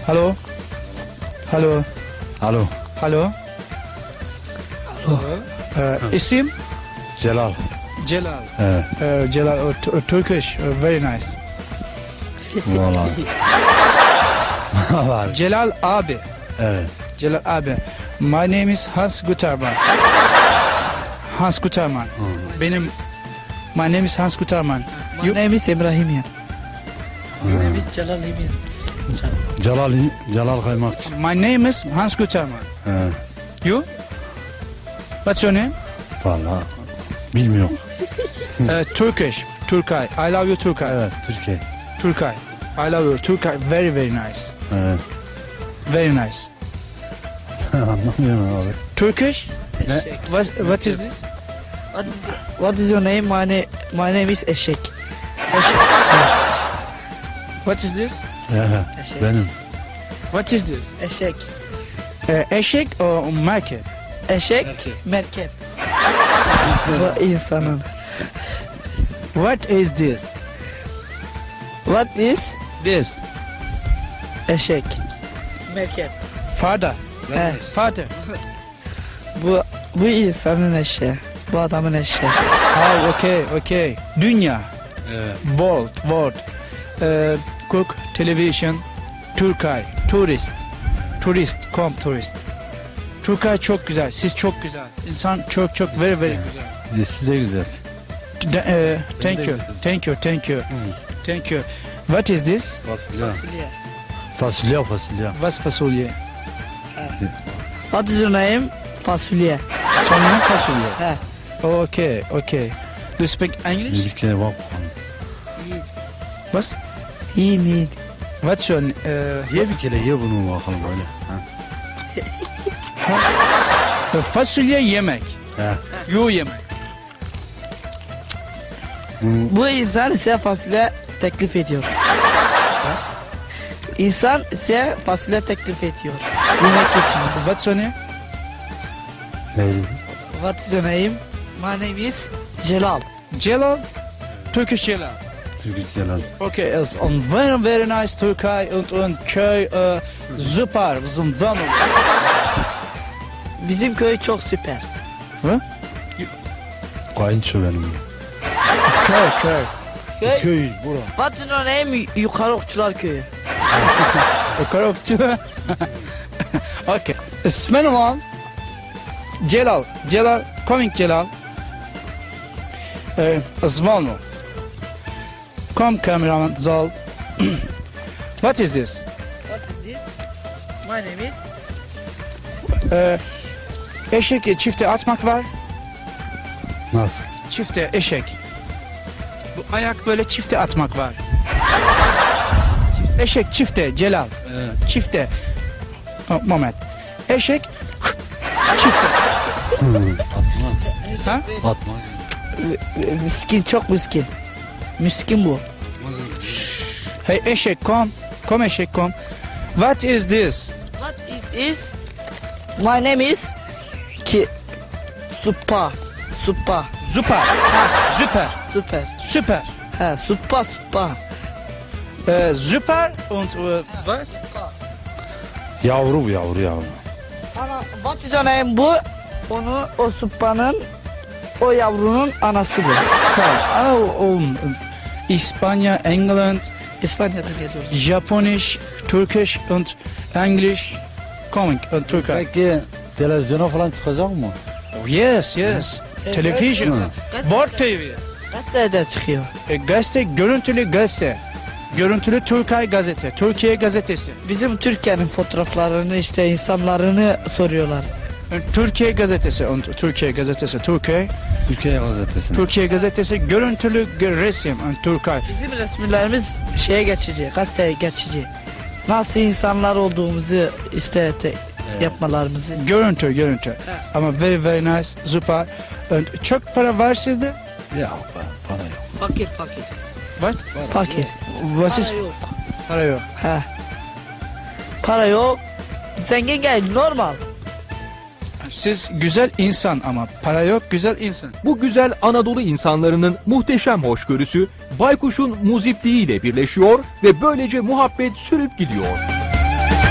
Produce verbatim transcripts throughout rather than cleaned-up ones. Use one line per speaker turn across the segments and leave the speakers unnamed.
Hello. Hello.
Alo.
Hello. Hello. Uh, isim?
Celal.
Celal.
Evet.
Uh, Celal, uh, t- uh, Turkish, uh, very nice.
Vallahi. Vallahi.
Celal abi.
Evet.
Celal abi. My name is Hans Guterman. Hans Guterman. Benim My name is Hans Guterman.
My
You?
name is Ibrahimian. My name is Jalal Imian.
Celal, Celal Kaymakçı.
My name is Hans Guterman.
Evet.
You? What's your name?
Vallahi bilmiyorum.
uh, Turkish. Turkay. I love you Turkay.
Evet, Türkiye.
Turkay. I love you Turkay. Very very nice.
Evet.
Very nice.
Anlamıyorum abi.
Turkish?
Ne?
What, what is this?
What is, what is your name? My, na my name is Eşek.
What is this?
Evet,
Eşek.
benim.
What is this?
Eşek.
Uh, eşek or market?
Eşek, merkep. Bu insanın.
What is this?
What is
This.
eşek? Merkep.
Father.
He,
Father.
bu bu insanın eşeği. Bu adamın eşeği.
Oh, okay, okay. Dünya.
Evet.
World, world. Uh, cook, television, Turkay, tourist. Turist, come tourist. Turkay çok güzel, siz çok güzel. İnsan çok çok very very güzel.
Siz de güzelsin.
D- uh, thank you, thank you, thank you, thank you. What is this?
Fasulye.
Fasulye.
Fasulye, fasulye.
What's fasulye?
What is your name? Fasulye.
Sonra fasulye.
He.
Okay, okay. Do you speak English?
Bir kere bak bakalım.
What?
İyi, iyi.
What's your uh,
Ye bir kere ye bunu bakalım öyle. Ha.
uh, fasulye yemek.
He.
You yemek.
Bunu
Bu insan size fasulye teklif ediyor. İnsan size fasulye teklif ediyor. Yemek için.
What's your name?
neydi?
What is your name? My name is Celal.
Celal. Turkish Celal.
Türkçe Celal.
Okay, it's on very very nice Türkei und und köy uh, super, wir sind zusammen.
Bizim köy çok süper.
Hı?
Kayınço benim.
Köy, köy.
Köy.
Köy bura.
What is your name? Yukarı Okçular Köyü.
Korokçu. Okay. İsmen olan Celal. Celal, coming Celal. Uh, Zvonu. Come cameraman Zal. What is this?
What is this? My name is...
Uh, eşek çifte atmak var.
Nasıl?
Çifte eşek. Bu ayak böyle çifte atmak var. Eşek çifte Celal.
Evet.
Çifte. Oh, moment. Eşek çifte.
Atmaz.
Ha?
Atmaz.
Miskin, çok miskin. Miskin bu.
Hey eşek kom. Kom eşek kom. What is this?
What is this? My name is... Ki... Supa. Supa.
Süper. Süper.
Süper.
Süper.
Ha, supa supa.
Äh, süper und uh, what?
Yavru bu yavru yavru.
Ana, what is your name bu? Onu, o supanın, o yavrunun anası bu.
Oh, um, İspanya, England,
İspanya'da geliyor.
Japonisch, Turkish und English. Coming und Türkei.
Peki televizyona falan çıkacak mı?
Oh, yes, yes. Television. Wort T V.
Gazetede çıkıyor.
E, gazete, görüntülü gazete. Görüntülü Türkay gazete. Türkiye gazetesi.
Bizim Türkiye'nin fotoğraflarını işte insanlarını soruyorlar.
E, Türkiye gazetesi. Und Türkiye gazetesi. Türkiye.
Türkiye gazetesi.
Türkiye gazetesi. Görüntülü gö- resim. Und Türkay.
Bizim resimlerimiz şeye geçici, gazeteye geçici. Nasıl insanlar olduğumuzu işte te- yapmalarımızı.
Görüntü, görüntü. Ama very very nice. Süper. Und çok para var sizde?
Ya be, para yok.
Fakir fakir.
What?
Fakir.
Was is?
Para yok.
Para yok.
Ha. Para yok. Zengin gel normal.
Siz güzel insan ama para yok güzel insan.
Bu güzel Anadolu insanlarının muhteşem hoşgörüsü Baykuş'un muzipliğiyle birleşiyor ve böylece muhabbet sürüp gidiyor.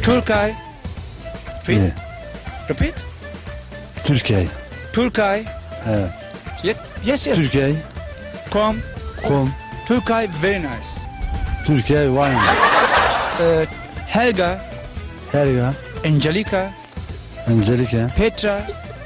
Turkay. Repeat.
Yeah.
Repeat.
Türkiye.
Turkay.
Evet.
Ye- Yes, yes.
Türkiye.
Come.
Kom.
Turkay, very nice.
Türkiye wine.
Uh, Helga,
Helga.
Angelica,
Angelica.
Petra,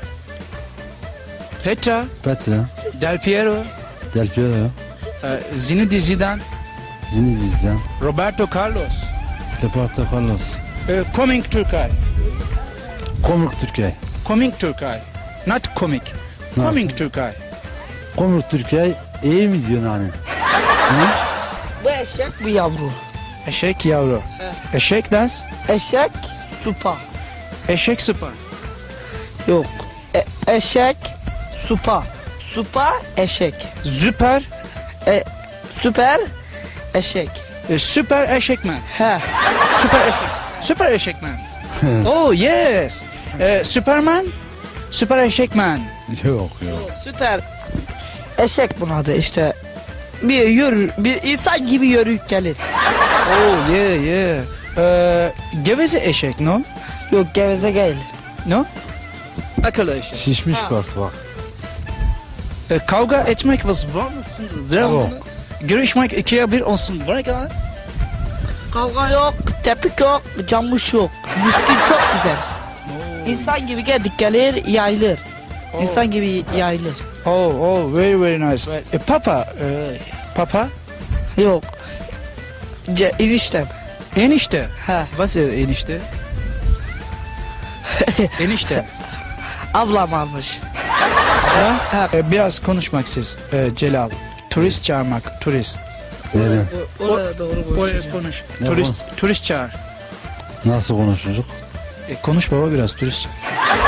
Petra,
Petra.
Del Piero,
Del Piero.
uh, Zinedine Zidane,
Zinedine Zidane.
Roberto Carlos.
Leopoldo Carlos.
Uh, coming Turkay.
Komik Türkiye.
Coming Turkay. Not comic.
Nasıl?
Coming Turkay.
Komik Türkiye iyi mi diyorsun hani?
Bu eşek bu yavru.
Eşek yavru. Eşek dans.
Eşek supa.
Eşek sıpa.
Yok. E- eşek supa. Supa eşek.
Süper.
E, süper eşek.
e, Süper eşekmen.
He.
Süper eşek. Süper eşekmen. Oh yes. E, Superman. Süper eşekmen.
Yok yok.
Süper eşek bunun adı işte. Bir yürür, bir insan gibi yürüyüp gelir.
Oh yeah yeah. E, geveze eşek no?
Yok geveze değil.
No? Akıllı eşek.
Şişmiş bas bak.
E, kavga etmek was var mısın?
Yok.
Görüşmek ikiye bir olsun. Var ya.
Kavga yok, tepik yok, camış yok. Miskin çok güzel. İnsan gibi geldik gelir, yayılır. İnsan gibi yayılır.
Oh oh very very nice. E, papa. E, papa.
Yok. Ce, eniştem.
Enişte.
He.
Was ist enişte? Enişte.
Ablam almış.
Ha?
Ha.
E, biraz konuşmak siz e, Celal. Turist çağırmak. Turist.
Öyle.
Oraya doğru
Oraya
konuşacağım.
konuş.
Ne
Turist turist çağır.
Nasıl konuşacak?
E, konuş baba biraz turist çağır.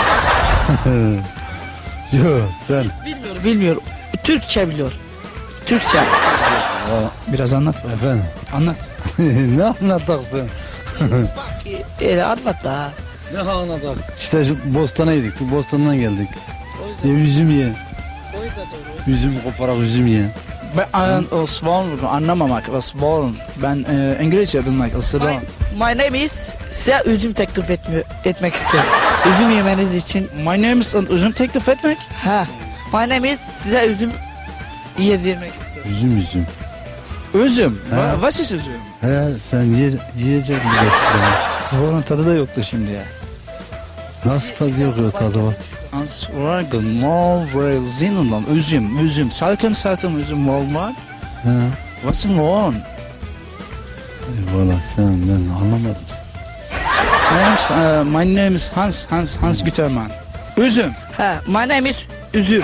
Yok sen.
Bilmiyor, bilmiyor. Türkçe biliyor. Türkçe.
Biraz anlat.
Efendim.
Anlat.
Ne anlatacaksın?
Bak öyle anlat da.
Ne anlatak? İşte şu Bostan'a gittik. Bostan'dan geldik. Ya üzüm ye.
O yüzden doğru.
Üzüm koparak üzüm ye.
Ben an, o swan anlamamak. O swan. Ben e, İngilizce bilmek. O swan.
My, my name is size üzüm teklif etmiyor, etmek istiyorum. Üzüm yemeniz için.
My name is üzüm teklif etmek.
Ha. My name is size üzüm yedirmek istiyorum.
Üzüm üzüm.
Üzüm.
Ha.
Va, was ist üzüm?
He sen ye, yiyecek mi?
Onun tadı da yoktu şimdi ya.
Nasıl tadı yok ya tadı var?
Ansvargın, mor, zinundan, üzüm, üzüm, salkım salkım üzüm olmak.
He.
Was ist on?
Valla sen ben anlamadım.
My name is, uh, my name is Hans, Hans, Hans Gütermann. Üzüm.
Ha. My name is üzüm.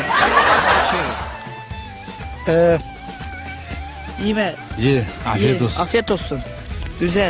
Ee,
Yeme.
Ye. Afiyet
ye.
olsun.
Afiyet olsun. Güzel.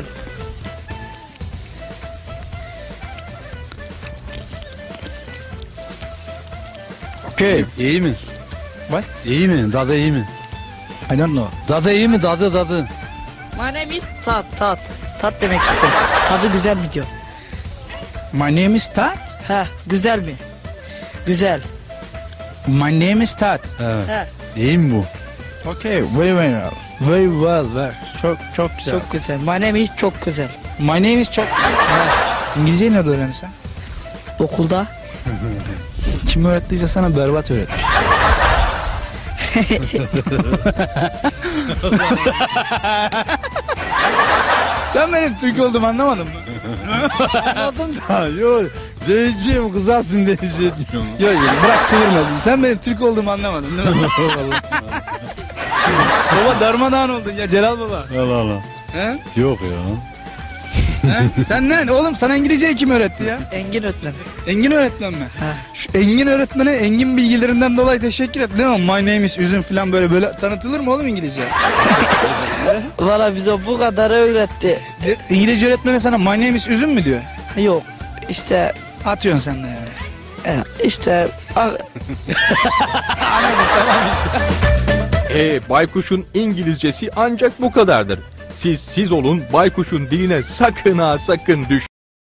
okay.
İyi mi?
What?
İyi mi? Tadı iyi mi?
I don't know.
Tadı iyi mi? Tadı tadı.
My name is tat tat. Tat demek istiyorum. Tadı güzel mi diyor.
My name is Tat.
Ha. Güzel mi? Güzel.
My name is Tat.
Evet.
Ha.
İyi mi bu?
Okay, very very well. Very well, very. Çok çok güzel.
Çok güzel. My name is çok güzel.
My name is çok. İngilizceyi nerede öğrendin
Okulda.
Kim öğrettiyse sana berbat öğretmiş. Sen benim Türk olduğumu anlamadın mı?
Anladım da yok. Diyeceğim kızarsın diyeceğim.
Yok yok bırak kıvırmasın. Sen benim Türk olduğumu anlamadın değil mi? Baba darmadağın oldun ya Celal baba.
Allah Allah.
He?
Yok ya.
He? Sen ne? Oğlum sana İngilizceyi kim öğretti ya?
Engin öğretmen.
Engin öğretmen mi?
Ha.
Şu Engin öğretmene Engin bilgilerinden dolayı teşekkür et. Ne o? My name is üzüm falan böyle böyle tanıtılır mı oğlum İngilizce?
Valla bize bu kadar öğretti.
İngilizce öğretmene sana my name is üzüm mü diyor?
Yok. İşte
Atıyorsun sen de yani.
e, işte a-
E baykuşun İngilizcesi ancak bu kadardır. Siz siz olun, baykuşun diline sakın ha sakın düş.